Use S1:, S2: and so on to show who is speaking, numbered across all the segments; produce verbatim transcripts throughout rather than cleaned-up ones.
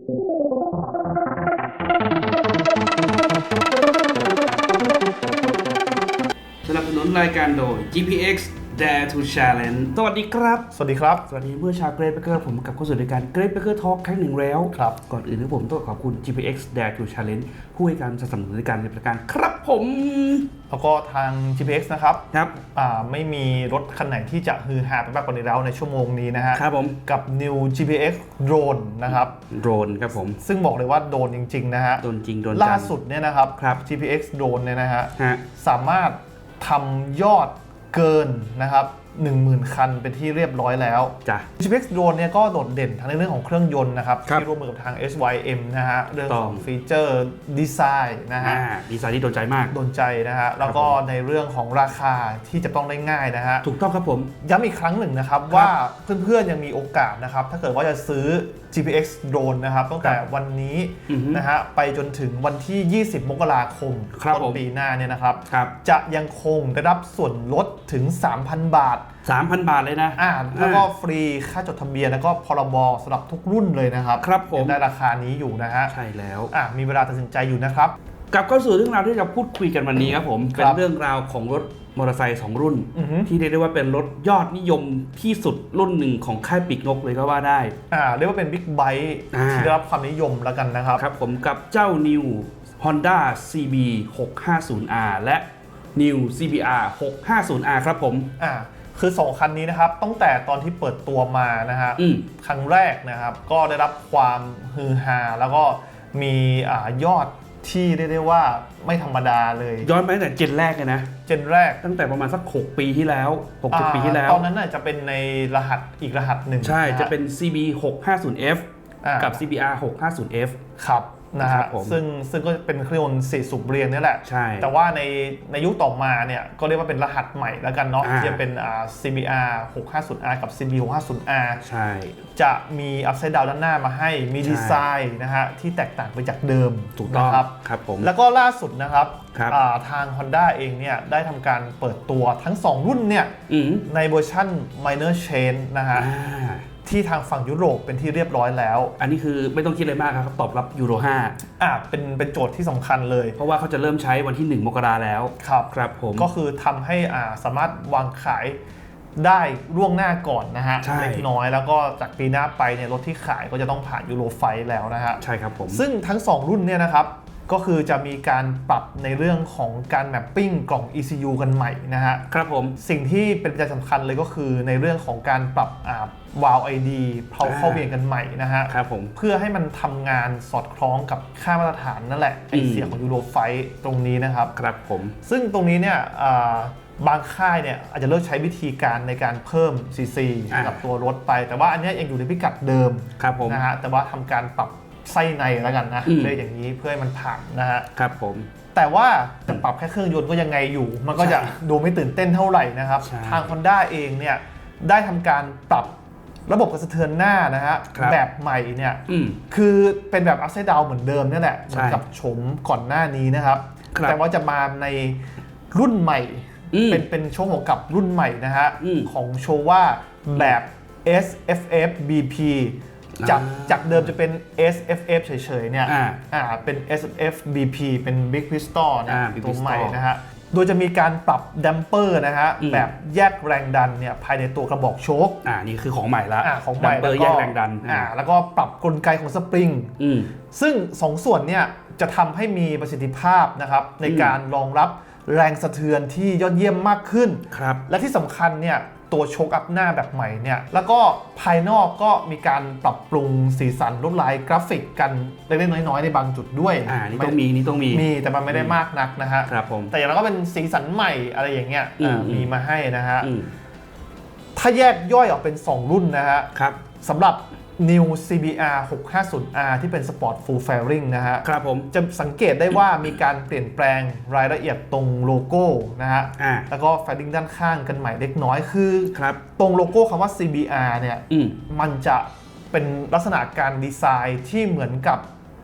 S1: สนับสนุนรายการโดย จี พี เอ็กซ์ Dare to Challenge สวัสดีครับ
S2: สวัสดีครับ
S1: สวัสดีเมื่อชาวเกรดเบเกอร์ผมกับเข้าสู่รายการเกรดเบเกอร์ทอล์กครั้งหนึ่งแล้ว
S2: ครับ
S1: ก่อนอื่นนะผมต้องขอบคุณ จี พี เอ็กซ์ Dare to Challenge ผู้ให้การสนับสนุนรายการในประการครับผม
S2: แล้วก็ทาง จี พี เอ็กซ์ นะครับ
S1: ครับ
S2: อ่าไม่มีรถคันไหนที่จะฮือฮาไปมากกว่านี้แล้วในชั่วโมงนี้นะฮะ
S1: ครับผม
S2: กับ New จี พี เอ็กซ์ Drone นะครับ
S1: Drone ครับผม
S2: ซึ่งบอกเลยว่าโดนจริงๆนะฮะ
S1: โดนจริงโดน
S2: ล่าสุดเนี่ยนะครับ
S1: ครับ
S2: จี พี เอ็กซ์ Drone เนี่ยนะฮะ
S1: ฮะ
S2: สามารถทำยอดเกินนะครับหนึ่งหมื่น คันเป็นที่เรียบร้อยแล้ว
S1: จ้ะ
S2: จี พี เอ็กซ์ Drone เนี่ยก็โดดเด่นทั้งในเรื่องของเครื่องยนต์นะครับ
S1: ที่
S2: ร่วมมือกับทาง เอส วาย เอ็ม นะฮะเรื่องของฟีเจอร์ดีไซน์นะฮะ
S1: ดีไซน์ที่โดนใจมาก
S2: โดนใจนะฮะแล้วก็ในเรื่องของราคาที่จะต้องได้ง่ายนะฮะ
S1: ถูกต้องครับผม
S2: ย้ำอีกครั้งหนึ่งนะครับว่าเพื่อนๆยังมีโอกาสนะครับถ้าเกิดว่าจะซื้อ จี พี เอ็กซ์ Drone นะครับตั้งแต่วันนี้นะฮะไปจนถึงวันที่ยี่สิบมกราคมต้นปีหน้าเนี่ยนะครับจะยังคงได้รับส่วนลดถึง สามพัน บาท
S1: สามพัน บาทเลยนะ
S2: อ่าแล้วก็ฟรีค่าจดทะเบียนแล้วก็พรบสำหรับทุกรุ่นเลยนะครับ
S1: ครับผม
S2: ได้ราคานี้อยู่นะฮะ
S1: ใช่แล้ว
S2: อ่ามีเวลาตัดสินใจอยู่นะครับ
S1: กลับเข้าสู่เรื่องราวที่จะพูดคุยกันวันนี้ครับผมเป็นเรื่องราวของรถมอเตอร์ไซค์สองรุ่นที่เรียกได้ว่าเป็นรถยอดนิยมที่สุดรุ่นหนึ่งของค่ายปีกนกเลยก็ว่าได้
S2: อ่าเรียกว่าเป็นบิ๊กไบค์ที่ได้รับความนิยมแล้วกันนะครับ
S1: ครับผมกับเจ้า New Honda ซี บี หกห้าศูนย์ อาร์ และ New ซี บี อาร์ หกห้าศูนย์ อาร์ ครับผม
S2: อ่าคือสองคันนี้นะครับตั้งแต่ตอนที่เปิดตัวมานะฮะครั้งแรกนะครับก็ได้รับความฮือฮาแล้วก็มีอ่ายอดที่เรียกได้ว่าไม่ธรรมดาเลย
S1: ย้อนไปตั้งแต่เจนแรกเลยนะ
S2: เจนแรก
S1: ตั้งแต่ประมาณสักหกปีที่แล้วหก เจ็ดปีที่แล้ว
S2: ตอนนั้นน่ะจะเป็นในรหัสอีกรหัสหนึ่ง
S1: ใช่จะเป็น ซี บี หกห้าศูนย์ เอฟ กับ ซี บี อาร์ หกห้าศูนย์ เอฟ
S2: ครับนะฮะซึ่งซึ่งก็เป็นเครื่องยนต์สี่สูบเรียงนี่แหละ
S1: ใช่
S2: แต่ว่าในในยุคต่อมาเนี่ยก็เรียกว่าเป็นรหัสใหม่แล้วกันเนาะที่จะเป็นอ่า ซี บี อาร์ หกห้าศูนย์ อาร์ กับ ซี บี หกห้าศูนย์ อาร์
S1: ใช่
S2: จะมีอัพไซด์ดาวด้านหน้ามาให้มีดีไซน์นะฮะที่แตกต่างไปจากเดิม
S1: ถูกต้อง
S2: ครับ
S1: ครับผม
S2: แล้วก็ล่าสุดนะครับทาง Honda เองเนี่ยได้ทำการเปิดตัวทั้งสองรุ่นเนี่ยในเวอร์ชัน Minor Change นะฮะที่ทางฝั่งยุโรปเป็นที่เรียบร้อยแล้ว
S1: อันนี้คือไม่ต้องคิดอะไรมากครับตอบรับยูโรห้า
S2: อ่าเป็นเป็นโจทย์ที่สำคัญเลย
S1: เพราะว่าเขาจะเริ่มใช้วันที่หนึ่งมกราแล้ว
S2: ครับ
S1: ครับผม
S2: ก็คือทำให้อ่าสามารถวางขายได้ล่วงหน้าก่อนนะฮะเล็กน้อยแล้วก็จากปีหน้าไปเนี่ยรถที่ขายก็จะต้องผ่านยูโรไฟว์แล้วนะฮะ
S1: ใช่ครับผม
S2: ซึ่งทั้งสองรุ่นเนี่ยนะครับก็คือจะมีการปรับในเรื่องของการแมปปิ้งกล่อง อี ซี ยู กันใหม่นะฮะ
S1: ครับผม
S2: สิ่งที่เป็นปัจจัยสำคัญเลยก็คือในเรื่องของการปรับอ่าวาล์ว ไอ ดี เข้าเข้าเวียนกันใหม่นะฮะ
S1: ครับผม
S2: เพื่อให้มันทำงานสอดคล้องกับค่ามาตรฐานนั่นแหละไอเสียงของยูโรไฟว์ตรงนี้นะครับ
S1: ครับผม
S2: ซึ่งตรงนี้เนี่ยบางค่ายเนี่ยอาจจะเลือกใช้วิธีการในการเพิ่ม ซี ซี กับตัวรถไปแต่ว่าอันนี้ยังอยู่ในพิกัดเดิมนะฮะแต่ว่าทำการปรับไส้ในแล้วกันนะเรียกอย่างนี้เพื่อให้มันผ่านนะฮะ
S1: ครับผม
S2: แต่ว่าจะปรับแค่เครื่องยนต์ก็ยังไงอยู่มันก็จะดูไม่ตื่นเต้นเท่าไหร่นะครับทาง Honda เองเนี่ยได้ทำการปรับระบบกระสะเทือนหน้านะฮะแบบใหม่เนี่ยคือเป็นแบบ upside down เหมือนเดิมนี่แหละเหมือนกับโฉมก่อนหน้านี้นะครับแต่ว่าจะมาในรุ่นใหม่เป็นเป็นโชว์หัวกลับรุ่นใหม่นะฮะของโชว่าแบบ เอส เอฟ เอฟ บี พี จากจากเดิมจะเป็น เอส เอฟ เอฟ เฉยๆเนี่ยอ่าเป็น เอส เอฟ บี พี เป็น Big Pistol นะตัวใหม่นะฮะโดยจะมีการปรับดัมเปอร์นะฮะแบบแยกแรงดันเนี่ยภายในตัวกระบอกโชค
S1: อ่านี่คือของใหม่ละ
S2: ของใหม่
S1: ดัมเปอร์แยกแรงดัน
S2: อ่าแล้วก็ปรับกลไกของสปริงซึ่งสองส่วนเนี่ยจะทำให้มีประสิทธิภาพนะครับในการรองรับแรงสะเทือนที่ยอดเยี่ยมมากขึ้น
S1: ครับ
S2: และที่สำคัญเนี่ยตัวโชคอัพหน้าแบบใหม่เนี่ยแล้วก็ภายนอกก็มีการปรับปรุงสีสันลวดลายกราฟิกกันเล็กๆน้อยๆในบางจุดด้วย
S1: อ่านี่ต้องมีนี่ต้องมี
S2: มีแต่มันไม่ได้มากนักนะฮะ
S1: ครับผม
S2: แต่อย่างเราก็เป็นสีสันใหม่อะไรอย่างเงี้ยมีมาให้นะฮะถ้าแยกย่อยออกเป็นสองรุ่นนะฮะ
S1: ครับ
S2: สำหรับ New ซี บี อาร์ หกห้าศูนย์ อาร์ ที่เป็น Sport Full Fairing นะฮะ
S1: ครับผม
S2: จะสังเกตได้ว่ามีการเปลี่ยนแปลงรายละเอียดตรงโลโก้นะฮะแล้วก็แฟลดิ้งด้านข้างกันใหม่เล็กน้อยคือตรงโลโก้คำว่า ซี บี อาร์ เนี่ยมันจะเป็นลักษณะการดีไซน์ที่เหมือนกับ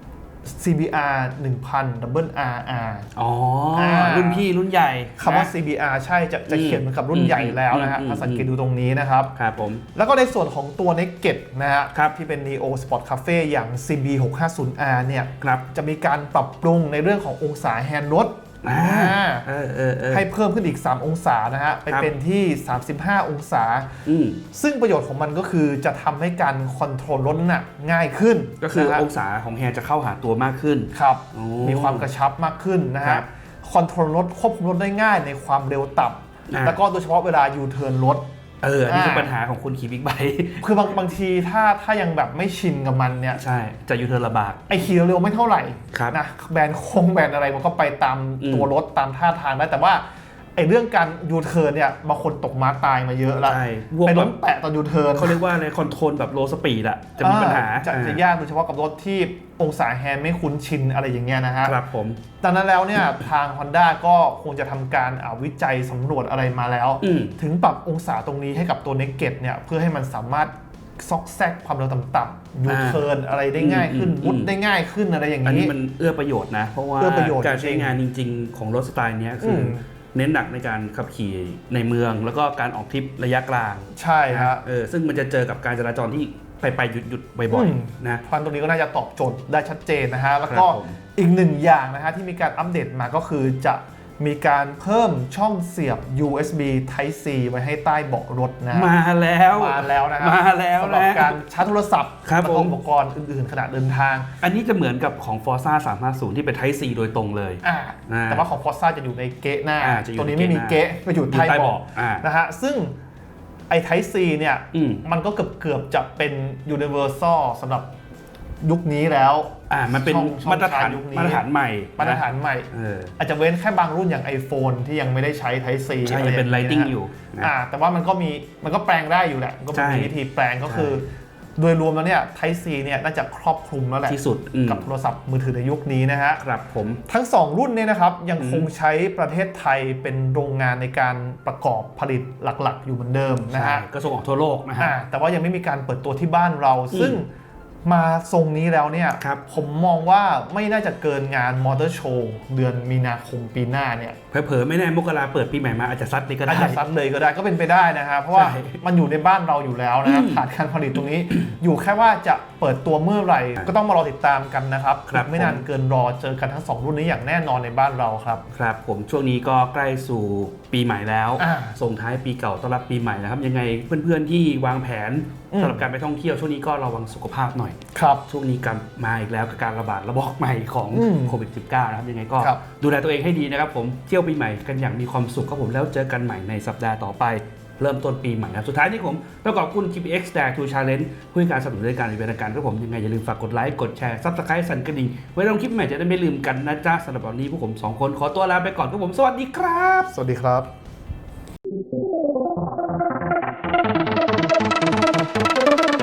S2: ซี บี อาร์ หนึ่งพัน Double อาร์ อาร์
S1: อ๋อรุ่นพี่รุ่นใหญ่
S2: คำว่า ซี บี อาร์ ใช่จะจะเขียนเหมือนกับรุ่นใหญ่แล้วนะฮะถ้าสังเกตดูตรงนี้นะครับ
S1: ครับผม
S2: แล้วก็ในส่วนของตัว Naked นะฮะที่เป็น Neo Sport Cafe อย่าง ซี บี หกห้าศูนย์ อาร์ เนี่ยจะมีการปรับปรุงในเรื่องขององศาแฮนด์รถให้เพิ่มขึ้นอีกสามองศานะฮะไปเป็นที่สามสิบห้าองศาซึ่งประโยชน์ของมันก็คือจะทำให้การคอนโทรลรถน่ะง่ายขึ้น
S1: ก็คือองศาของแฮนด์จะเข้าหาตัวมากขึ้น
S2: ครับมีความกระชับมากขึ้นนะฮะคอนโทรลรถควบคุมรถได้ง่ายในความเร็วต่ำแล้วก็โดยเฉพาะเวลายูเทิร์นรถ
S1: เอออันนี้คือปัญหาของคนขี่บิ๊กไบค์
S2: คือบางบางทีถ้าถ้ายังแบบไม่ชินกับมันเนี่ย
S1: ใช่จะยูเทิร์นลำบาก
S2: ไอขี่เร็วไม่เท่าไหร่นะแบนโค้งแบนอะไรมันก็ไปตามตัวรถตามท่าทางได้แต่ว่าไอเรื่องการยูเทิร์นเนี่ยบางคนตกม้าตายมาเยอะแล้วไปล้มแปะตอนยูเทิร์น
S1: เขาเรียกว่าในคอนโทรลแบบโลสปีดอะจะมีปัญหา
S2: จะจะยากโดยเฉพาะกับรถที่องศาแฮนด์ไม่คุ้นชินอะไรอย่างเงี้ยนะฮะ
S1: ครับผม
S2: ดังนั้นแล้วเนี่ยทาง Honda ก็คงจะทำการวิจัยสำรวจอะไรมาแล้วถึงปรับองศาตรงนี้ให้กับตัว Naked เนี่ยเพื่อให้มันสามารถซอกแซกความเร็วต่ำๆยูเทิร์นอะไรได้ง่ายขึ้นมุดได้ง่ายขึ้นอะไรอย่างนี้
S1: อันนี้มันเอื้อประโยชน์นะเพราะว่าการใช้งานจริงๆของรถสไตล์นี้คือเน้นหนักในการขับขี่ในเมืองแล้วก็การออกทริประยะกลาง
S2: ใช่ฮะ
S1: เออซึ่งมันจะเจอกับการจราจรที่ไปไปหยุดหยุดบ่อยๆนะ
S2: พันตรงนี้ก็น่าจะตอบโจทย์ได้ชัดเจนนะฮะแล้วก็อีกหนึ่งอย่างนะฮะที่มีการอัปเดตมาก็คือจะมีการเพิ่มช่องเสียบ ยู เอส บี Type C ไว้ให้ใต้เบาะรถนะ
S1: มาแล้ว
S2: มาแล้วนะ
S1: มาแล้ว
S2: สำหรับการชาร์จโทรศัพท์
S1: และ
S2: อุปกรณ์อื่นๆขณะเดินทาง
S1: อันนี้จะเหมือนกับของ Forza สามห้าศูนย์ที่เป็น Type C โดยตรงเลย
S2: แต่ว่าของ Forza จะอยู่ในเกะหน้าตัวนี้ไม่มีเกะก็อยู่ใต้เบาะนะฮะซึ่งไอ้ Type C เนี่ยมันก็เกือบเกือบจะเป็น Universal สำหรับยุคนี้แล้ว
S1: อ่ามันเป็นมาตรฐานมาตรฐานใหม่
S2: มาตรฐานใหม่อาจจะเว้นแค่บางรุ่นอย่าง iPhone ที่ยังไม่ได้ใช้ Type C
S1: ใช่ยังเป็น Lightning อยู่
S2: อ่าแต่ว่ามันก็มีมันก็แปลงได้อยู่แหละก็มีวิธีแปลงก็คือโดยรวมแล้วเนี่ย Type C เนี่ยน่าจะครอบคลุมแล้วแหละ
S1: ที่สุด
S2: กับโทรศัพท์มือถือในยุคนี้นะฮะ
S1: ครับผม
S2: ทั้งสองรุ่นเนี่ยนะครับยังคงใช้ประเทศไทยเป็นโรงงานในการประกอบผลิตหลักๆอยู่เหมือนเดิมนะฮะ
S1: ก็ส่งออกทั่วโลกนะฮะ
S2: แต่ว่ายังไม่มีการเปิดตัวที่บ้านเราซึ่งมาทรงนี้แล้วเนี่ยผมมองว่าไม่น่าจะเกินงานมอเตอร์โชว์เดือนมีนาคมปีหน้าเนี่ย
S1: เผลอๆไม่แน่มกราเปิดปีใหม่มาอาจจะซัดเลยก็ได้
S2: อาจจะซัดเลยก็ได้ก็เป็นไปได้นะครับเพราะว่ามันอยู่ในบ้านเราอยู่แล้วนะครับขาดการผลิตตรงนี้อยู่แค่ว่าจะเปิดตัวเมื่อไหร่ก็ต้องมารอติดตามกันนะครับไม่นานเกินรอเจอกันทั้งสองรุ่นนี้อย่างแน่นอนในบ้านเราครับ
S1: ครับผมช่วงนี้ก็ใกล้สู่ปีใหม่แล้วส่งท้ายปีเก่าต้อนรับปีใหม่นะครับยังไงเพื่อนๆที่วางแผนสำหรับการไปท่องเที่ยวช่วงนี้ก็ระวังสุขภาพหน่อย
S2: ครับ
S1: ช่วงนี้กลับมาอีกแล้วกับการระบาดระบาดใหม่ของโควิด สิบเก้า นะครับยังไงก็ดูแลตัวเองให้ดีนะครับผมเที่ยวปีใหม่กันอย่างมีความสุขครับผมแล้วเจอกันใหม่ในสัปดาห์ต่อไปเริ่มต้นปีใหม่ครับสุดท้ายนี้ผมต้องขอบคุณ จี พี เอ็กซ์ Dare to Challenge ผู้ให้การสนับสนุนรายการในรายการครับผมยังไงอย่าลืมฝากกดไลค์กดแชร์ Subscribe สั่นกระดิ่งไว้ลงคลิปใหม่จะได้ไม่ลืมกันนะจ๊ะสำหรับวันนี้พวกผมสองคนขอตัวลาไปก่อนครับผมสวัสดีครับ
S2: สวัสดีครับ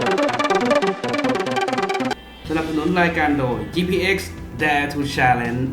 S1: สนับสนุนรายการโดย จี พี เอ็กซ์ Dare to Challenge